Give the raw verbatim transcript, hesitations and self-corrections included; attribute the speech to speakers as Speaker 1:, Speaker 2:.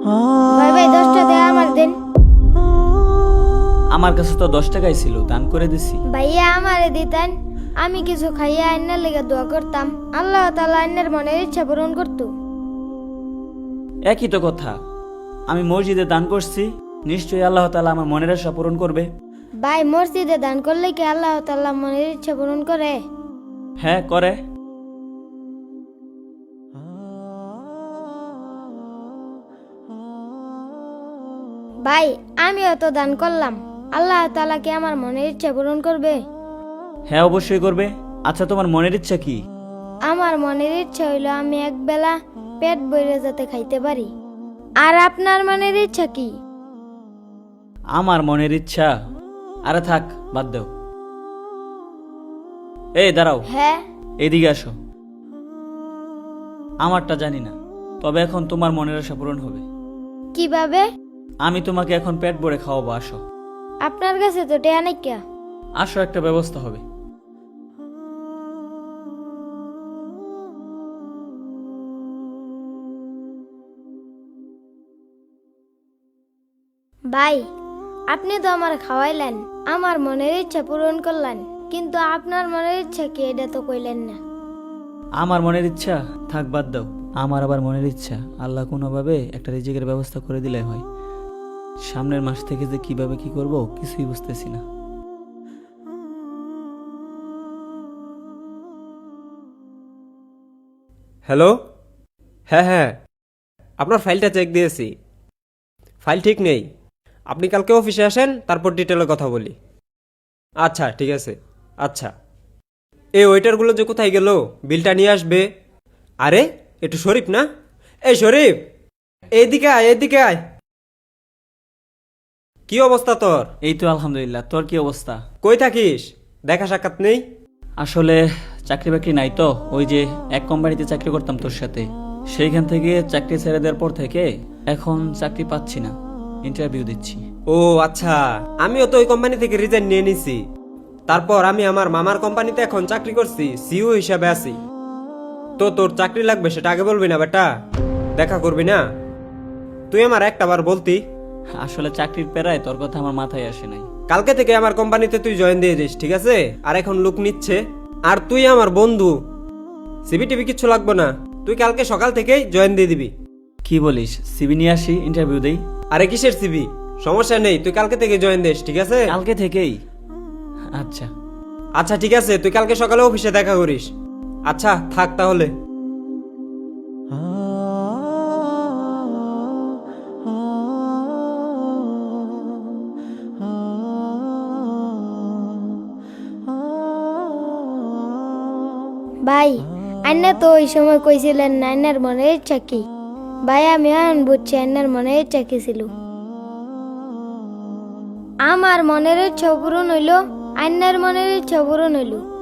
Speaker 1: ভাই ভাই দশটা দেয়া আমার দেন।
Speaker 2: আমার কাছে তো দশ টাকাই ছিল, দান করে দিছি।
Speaker 1: ভাইয়া আমারে দিতেন, আমি কিছু খাইয়া আইনের লেগে দোয়া করতাম, আল্লাহ তাআলা আইনের মনের ইচ্ছা পূরণ করতো।
Speaker 2: একই তো কথা, আমি মসজিদে দান করছি, নিশ্চয়ই আল্লাহ তাআলা আমার মনের আশা পূরণ করবে।
Speaker 1: ভাই মসজিদে দান করলে কি আল্লাহ তাআলা মনের ইচ্ছা পূরণ করে?
Speaker 2: হ্যাঁ করে।
Speaker 1: ভাই আমিও তো দান করলাম, আল্লাহ তাআলা কি আমার মনের ইচ্ছা পূরণ করবে?
Speaker 2: হ্যাঁ অবশ্যই করবে। আচ্ছা তোমার মনের ইচ্ছা কি?
Speaker 1: আমার মনের ইচ্ছা হইলো আমি একবেলা পেট ভরে যাতে খাইতে পারি। আর আপনার মনের ইচ্ছা কি?
Speaker 2: আমার মনের ইচ্ছা, আরে থাক বাদ দাও। এই দাঁড়াও,
Speaker 1: হ্যাঁ
Speaker 2: এদিকে আসো। আমারটা জানি না, তবে এখন তোমার মনের আশা পূরণ হবে।
Speaker 1: কিভাবে?
Speaker 2: আমি তোমাকে এখন পেট ভরে খাওয়াবো, আসো।
Speaker 1: আপনার কাছে তো টেয়া নাই কিয়া?
Speaker 2: আসো, একটা ব্যবস্থা হবে।
Speaker 1: ভাই আপনি তো আমার খাওয়াইলেন, আমার মনের ইচ্ছা পূরণ করলেন, কিন্তু আপনার মনের ইচ্ছা কি এটা তো কইলেন না।
Speaker 2: আমার মনের ইচ্ছা থাক বাদ দাও। আমার আবার মনের ইচ্ছা আল্লাহ কোনোভাবে একটা রিজিকের ব্যবস্থা করে দিলে হয়। সামনের মাস থেকে যে কিভাবে কি করব কিছুই বুঝতেছি না।
Speaker 3: হ্যালো, হ্যাঁ হ্যাঁ, আপনার ফাইলটা চেক দিয়েছি, ফাইল ঠিক নেই। আপনি কালকে অফিসে আসেন, তারপর ডিটেলে কথা বলি। আচ্ছা ঠিক আছে। আচ্ছা, এই ওয়েটারগুলো যে কোথায় গেল, বিলটা নিয়ে আসবে। আরে একটু শরীফ না? এই শরীফ, এইদিকে আয়, এইদিকে আয়। কি অবস্থা তোর?
Speaker 2: এই তো আলহামদুলিল্লাহ, তোর কি অবস্থা?
Speaker 3: কই থাকিস? দেখা সাক্ষাৎ নেই।
Speaker 2: আসলে চাকরি বাকরি নাই তো, ওই যে এক কোম্পানিতে চাকরি করতাম তোর সাথে, সেইখান থেকে চাকরি ছেড়ে দেওয়ার পর থেকে এখন চাকরি পাচ্ছি না, ইন্টারভিউ দিচ্ছি।
Speaker 3: ও আচ্ছা, আমিও তো ওই কোম্পানি থেকে রিজাইন নিয়ে নিছি। তারপর আমি আমার মামার কোম্পানিতে এখন চাকরি করছি, সিইও হিসাবে আছি। তো তোর চাকরি লাগবে সেটা আগে বলবি না বেটা, দেখা করবি না? তুই আমার একটা বার বলতি।
Speaker 2: আসলে চাকরির পেরায় তোর কথা আমার মাথায় আসে নাই।
Speaker 3: কালকে থেকে আমার কোম্পানিতে তুই জয়েন দিয়ে দিস, ঠিক আছে? আর এখন লোক নিচ্ছে, আর তুই আমার বন্ধু, সিবি টিভি কিচ্ছু লাগবে না, তুই কালকে সকাল থেকেই জয়েন দিয়ে দিবি।
Speaker 2: কি বলিস? সিবি নিয়ে আসি, ইন্টারভিউ দেই?
Speaker 3: আরে কিসের সিবি, সমস্যা নেই, তুই কালকে থেকে জয়েন দিস, ঠিক আছে?
Speaker 2: কালকে থেকেই? আচ্ছা
Speaker 3: আচ্ছা ঠিক আছে, তুই কালকে সকালে অফিসে দেখা করিস। আচ্ছা থাক তাহলে।
Speaker 1: ভাই আইনা তো ওই সময় কইছিলেন না আইনার মনের ইচ্ছা কি। ভাই আমি এখন বুঝছি আইনার মনের ইচ্ছা কি ছিল। আমার মনের ইচ্ছা পূরণ হইল, আইনার মনের ইচ্ছা পূরণ হইল।